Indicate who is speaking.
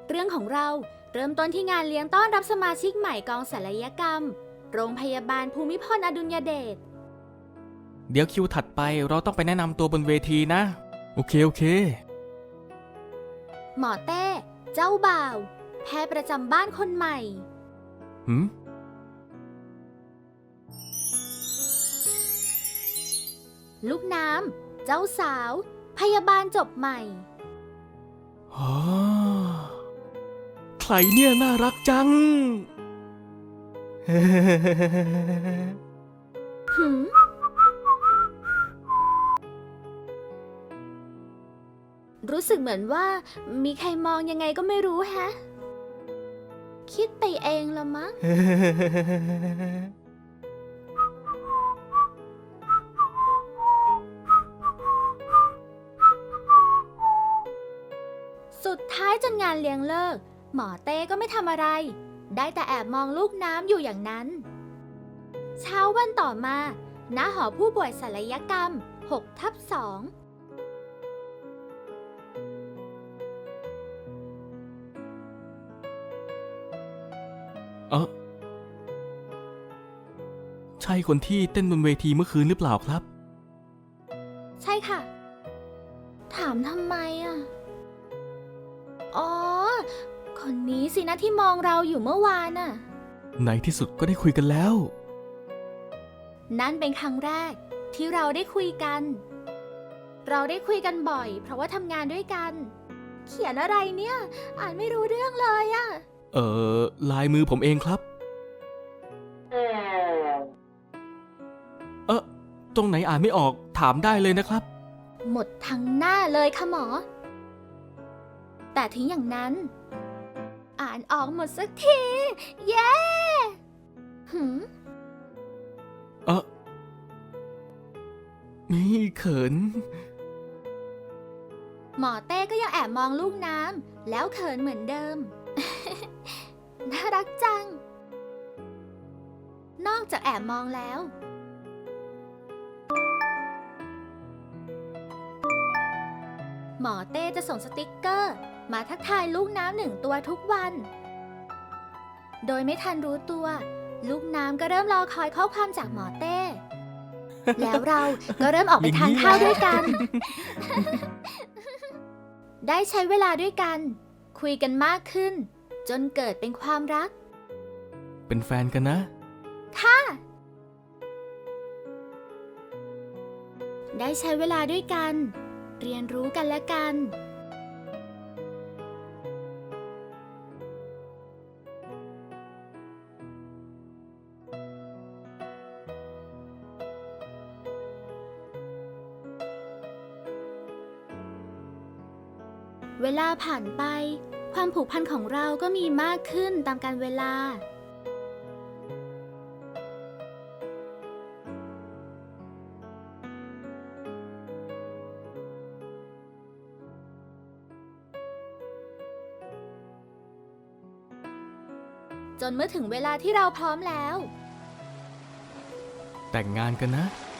Speaker 1: เรื่องของเราเริ่มต้นที่งานเลี้ยงต้อนรับสมาชิกใหม่กองศัลยกรรมโรงพยาบาลภูมิพลอดุลยเดช
Speaker 2: เดี๋ยวคิวถัดไปเราต้องไปแนะนำตัวบนเวทีนะโอเค
Speaker 1: หมอเต้เจ้าบ่าวแพทย์ประจำบ้านคนใหม่
Speaker 2: หืม
Speaker 1: ลูกน้ำเจ้าสาวพยาบาลจบใหม่
Speaker 2: อ๋อใครเนี่ยน่ารักจัง
Speaker 1: หืมรู้สึกเหมือนว่ามีใครมองยังไงก็ไม่รู้แฮะ คิดไปเองละมั้ง สุดท้ายจนงานเลี้ยงเลิก หมอเต้ก็ไม่ทำอะไร ได้แต่แอบมองลูกน้ำอยู่อย่างนั้น เช้าวันต่อมาณหอผู้ป่วยศัลยกรรม 6/2
Speaker 2: ใช่คนที่เต้นบนเวทีเมื่อคืนหรือเปล่าครับ
Speaker 1: ใช่ค่ะ ถามทำไมอ่ะ อ๋อ คนนี้สินะที่มองเราอยู่เมื่อวานน่ะ
Speaker 2: ในที่สุดก็ได้คุยกันแล้ว
Speaker 1: นั่นเป็นครั้งแรกที่เราได้คุยกัน เราได้คุยกันบ่อย เพราะว่าทำงานด้วยกัน เขียนอะไรเนี่ย อ่านไม่รู้เรื่องเลยอะ
Speaker 2: ลายมือผมเองครับ ตรงไหนอ่านไม่ออกถามได้เลยนะครับ
Speaker 1: หมดทั้งหน้าเลยค่ะหมอ แต่ถึงอย่างนั้น อ่านออกหมดสักที เย้หืม
Speaker 2: นี่เขิน
Speaker 1: หมอเต้ก็ยังแอบมองลูกน้ำแล้วเขินเหมือนเดิม น่ารักจัง นอกจากแอบมองแล้ว หมอเต้จะส่งสติกเกอร์มาทักทายลูกน้ำ1 ตัวทุกวัน โดยไม่ทันรู้ตัว ลูกน้ำก็เริ่มรอคอยข้อความจากหมอเต้ แล้วเราก็เริ่มออกไปทานข้าวด้วยกัน ได้ใช้เวลาด้วยกัน คุยกันมากขึ้น จนเกิดเป็นความรัก
Speaker 2: เป็นแฟนกันนะ
Speaker 1: ค่ะ ได้ใช้เวลาด้วยกัน เรียนรู้กันและกัน เวลาผ่านไป ความผูกพันของเราก็มีมากขึ้นตามกาลเวลา จนเมื่อถึงเวลาที่เราพร้อมแล้ว
Speaker 2: แต่งงานกันนะ